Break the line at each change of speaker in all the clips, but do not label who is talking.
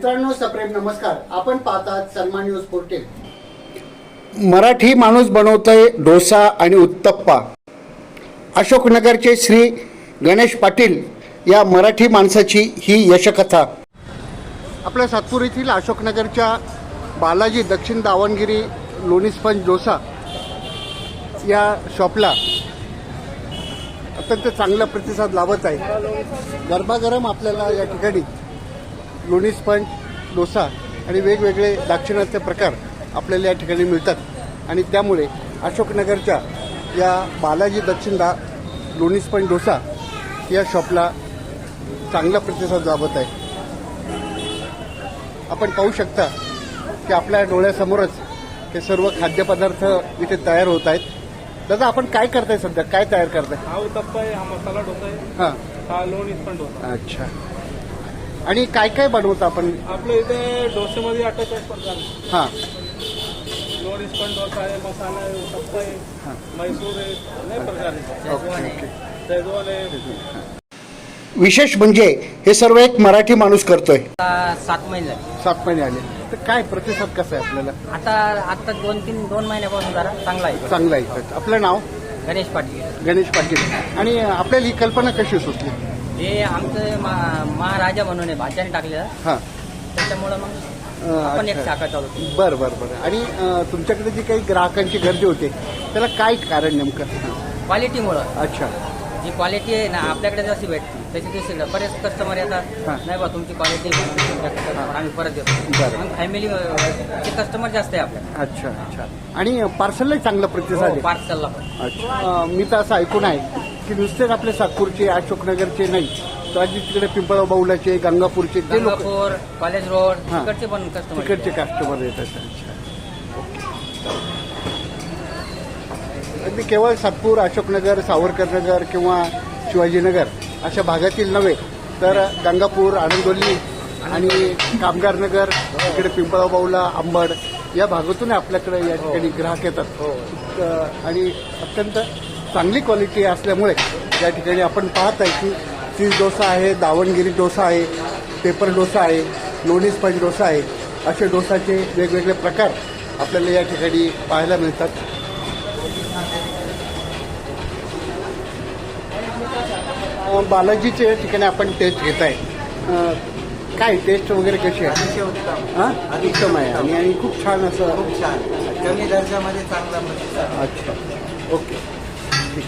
मित्रांनो, सप्रेम नमस्कार. आपण पाहतात सन्मान न्यूज 14. मराठी माणूस बनवतोय डोसा आणि उत्तप्पा. अशोकनगरचे श्री गणेश पाटील या मराठी माणसाची ही यशकथा. आपल्या सातपूर येथील अशोकनगरच्या बालाजी दक्षिण दावणगिरी लोणी स्पंज डोसा या शॉपला अत्यंत चांगला प्रतिसाद लाभत आहे. गरमागरम आपल्याला या ठिकाणी लोणी स्पंज डोसा आणि वेगवेगळे दाक्षिणात्य प्रकार आपल्याला या ठिकाणी मिळतात आणि त्यामुळे अशोकनगरच्या या बालाजी दक्षिण लोणी स्पंज डोसा या शॉपला चांगला प्रतिसाद लाभत आहे. आपण पाहू शकता की आपल्या डोळ्यासमोरच हे सर्व खाद्यपदार्थ इथे तयार होत आहेत. दादा, आपण काय करताय सध्या? काय तयार करताय?
हा उत्तप्पा आहे, हा मसाला डोसा आहे,
हां,
हा लोणी स्पंज डोसा.
अच्छा. आणि काय काय बनवतो आपण?
आपल्या इथे डोसेमध्ये 48 प्रकार आहे.
हां
लोणी स्पंज डोसा आहे, मसाला आहे, उत्तप्पा आहे, मैसूर आहे, अनेक प्रकार आहे. शेजवान आहे.
विशेष म्हणजे हे सर्व एक मराठी माणूस करतोय.
7 महिने
7 महिने आले तर काय प्रतिसाद कसा आहे आपल्याला?
आता 2 महिन्यापासून जरा चांगला आहे.
चांगला आहे. आपलं नाव?
गणेश पाटील.
गणेश पाटील. आणि आपल्याला ही कल्पना कशी सुचली?
हे आमचं महाराजा म्हणून आहे, भाच्याने टाकलेलं,
हां,
त्याच्यामुळं मग आपण एक शाखा चालू केली.
बरं बरं बरं. आणि तुमच्याकडे जी काही ग्राहकांची गर्दी होते त्याला काय कारण नेमकं?
क्वालिटीमुळं.
अच्छा.
जी क्वालिटी आहे ना आपल्याकडे जशी भेटते त्याची तशी बरेच कस्टमर येतात,
हां.
नाही बा तुमची क्वालिटी आम्ही परत देतो.
बरं.
मग फॅमिलीचे कस्टमर जास्त आहे आपल्याकडे.
अच्छा अच्छा. आणि पार्सललाही चांगला प्रतिसाद आहे.
पार्सलला पण.
अच्छा. मी तर असं ऐकून आहे की नुसतेच आपले सातपूरचे अशोकनगरचे नाही तर आज तिकडे पिंपळा बाऊलाचे, गंगापूरचे ते लोक,
गंगापूर, कॉलेज रोड
हां.
तिकडचे पण कस्टमर.
तिकडचे कस्टमर येतात. अच्छा. अगदी केवळ सातपूर, अशोकनगर, सावरकरनगर किंवा शिवाजीनगर अशा भागातील नव्हे तर गंगापूर, आनंदोली आणि कामगारनगर, इकडे पिंपळा बाऊला, अंबड या भागातून आपल्याकडे या ठिकाणी ग्राहक येतात. आणि अत्यंत चांगली क्वालिटी असल्यामुळे या ठिकाणी आपण पाहत आहे की चीज डोसा आहे, दावणगिरी डोसा आहे, पेपर डोसा आहे, लोणी स्पंज डोसा आहे. असे डोसाचे वेगवेगळे प्रकार आपल्याला या ठिकाणी पाहायला मिळतात. बालाजीच्या ठिकाणी आपण टेस्ट घेत आहे. काय टेस्ट वगैरे कशी आहे? हां, उत्तम आहे. आणि खूप छान असं,
खूप छान, कमी दर्जामध्ये चांगला प्रतिसाद.
अच्छा, ओके, ठीक.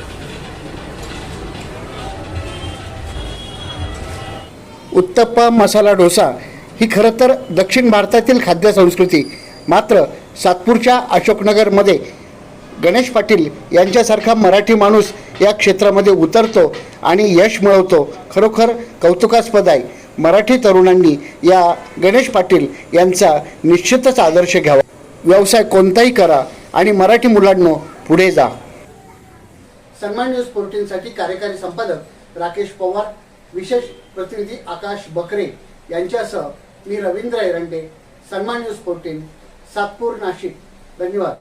उत्तप्पा मसाला डोसा ही खरं तर दक्षिण भारतातील खाद्य संस्कृती. मात्र सातपूरच्या अशोकनगरमध्ये गणेश पाटील यांच्यासारखा मराठी माणूस या क्षेत्रामध्ये उतरतो आणि यश मिळवतो. खरोखर कौतुकास्पद आहे. मराठी तरुणांनी या गणेश पाटील यांचा निश्चितच आदर्श घ्यावा. व्यवसाय कोणताही करा आणि मराठी मुलांनो पुढे जा. सन्मान न्यूज 14 साठी कार्यकारी संपादक राकेश पवार, विशेष प्रतिनिधी आकाश बकरे यांच्यासह मी रवींद्र एरंडे. सन्मान न्यूज 14, सातपूर, नाशिक. धन्यवाद.